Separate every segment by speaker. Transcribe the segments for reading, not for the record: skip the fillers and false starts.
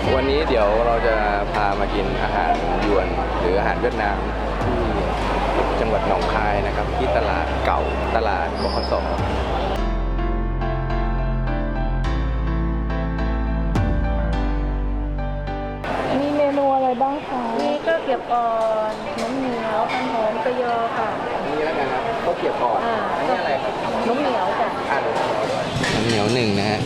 Speaker 1: วันนี้เดี๋ยวเราจะพามากินอาหารยวนหรืออาหารเวียดนามที่จังหวัดหนองคายนะครับที่ตลาดเก่าตลาดบขส.
Speaker 2: มีเมนูอะไรบ้างคะ
Speaker 3: นี่ก็เก็บอ่อนน้ำเหนียวพันหอมกระยอค่ะ
Speaker 1: อันนี้แล้วกันครับข้าวเกรี๊ยวก่อนอันนี้อะไรครับ
Speaker 3: น้ำเหนียวจ้ะ
Speaker 1: น้ำเหนียวหนึ่งนะฮะ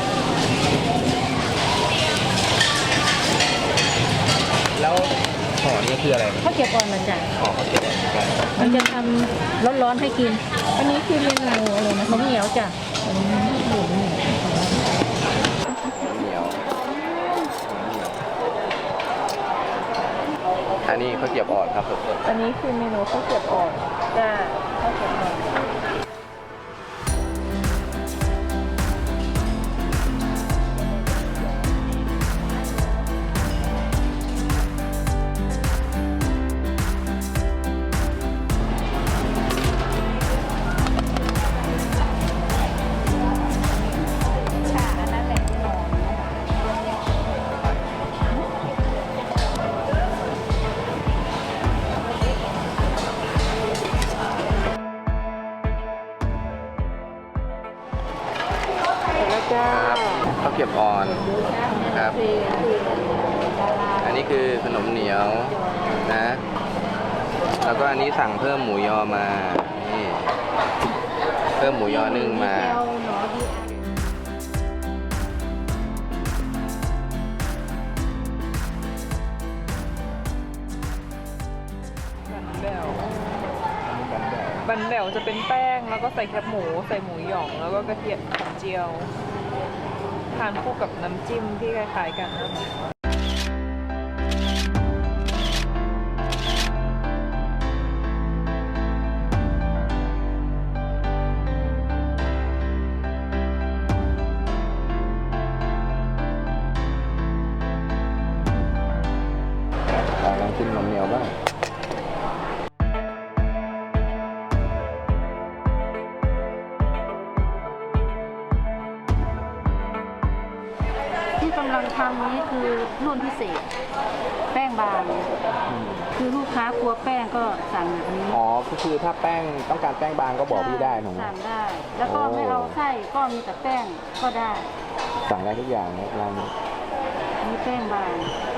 Speaker 1: แล้วห่อนี้คืออะไร
Speaker 3: ข้าวเก็บอ่อนมันจ้ะ
Speaker 1: ห่อข้าวเกรี๊ยวเหมือนกัน
Speaker 3: มันจะทำร้อนๆให้กิน
Speaker 2: อันนี้คือเมนูอะไรนะ
Speaker 3: น้ำเหนียวจ้ะ
Speaker 1: เหนียวอันนี้ข้าวเกรี๊ยวอ่อนครับสด
Speaker 2: อันนี้คือเมนูข้าวเกรี๊ยวอ่อน
Speaker 3: จ้ะข้าวเก็บอ่อน
Speaker 2: แล้วจ้า
Speaker 1: ๆครับข้าวเกรี๊ยวอ่อนครับ อันนี้คือขนมเหนียวนะ แล้วก็อันนี้สั่งเพิ่มหมูยอมานี่เพิ่มหมูยอนึ่งมา
Speaker 2: บันแบวจะเป็นแป้งแล้วก็ใส่แคบหมูใส่หมูหยองแล้วก็กระเทียมหอมเจียวทานคู่กับน้ำจิ้มที่คล้ายๆกันนะ
Speaker 1: ลองชิมขนมเหนียวบ้าง
Speaker 3: ที่กำลังทำนี้คือรุ่นพิเศษ แป้งบางคือลูกค้ากลัวแป้งก็สั่งแบบนี้
Speaker 1: อ๋อก็คือถ้าแป้งต้องการแป้งบางก็บอกพี่ได้ถูกไหม
Speaker 3: สั่งได้ แล้วก็ไม่เอาไส้ก็มีแต่แป้งก็ได้
Speaker 1: สั่งได้ทุกอย่างนะร้านนี้
Speaker 3: มีแป้งบาง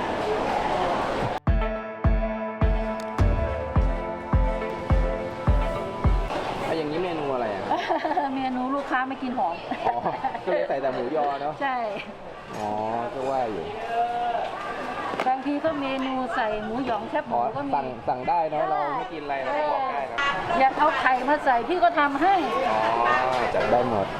Speaker 1: อย่างนี้เมนูอะไรอ่ะ
Speaker 3: เมนูลูกค้าไม่กินหอม
Speaker 1: อ๋อก็เลยใส่แต่หมูยอเนาะ
Speaker 3: ใช่
Speaker 1: อ๋อก็ว่าอยู่
Speaker 3: บางทีก็เมนูใส่หมูหยองแคบห
Speaker 1: อ๋
Speaker 3: มู
Speaker 1: อ
Speaker 3: ก็มี
Speaker 1: สั่งได้เนาะเราไม่กินอะไรเราก็บอกได้นะ
Speaker 3: อยากเอาไข่มาใส่พี่ก็ทำให้
Speaker 1: อ๋อจัดได้หมด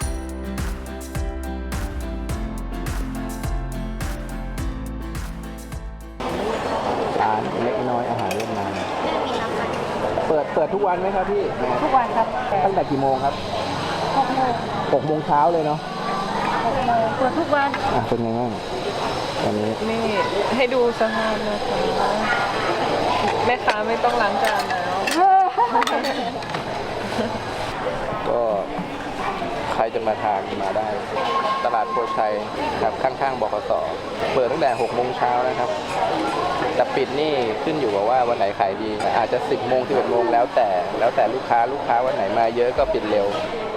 Speaker 1: ร้านเล็กน้อยอาหารเวียดนามเปิดทุกวันไหมครับพี่
Speaker 3: ทุกวันครับ
Speaker 1: ตั้งแต่กี่โมงครับ
Speaker 3: 6 โมง
Speaker 1: 6 โมงเช้าเลยเนาะ
Speaker 3: 6 โมงเปิดทุกวัน
Speaker 1: อ่ะเป็นไงบ้างวันนี้
Speaker 2: นี่ให้ดูสภาพนะคะแม่ค้าไม่ต้องล้างจานแล้ว
Speaker 1: ก็ใครจะมาทานมาได้ ตลาดโพชัยครับข้างๆบขส. เปิดตั้งแต่6 โมงเช้านะครับแต่ปิดนี่ขึ้นอยู่กับว่าวันไหนขายดีอาจจะ10 โมง 11 โมงแล้วแต่ลูกค้าวันไหนมาเยอะก็ปิดเร็ว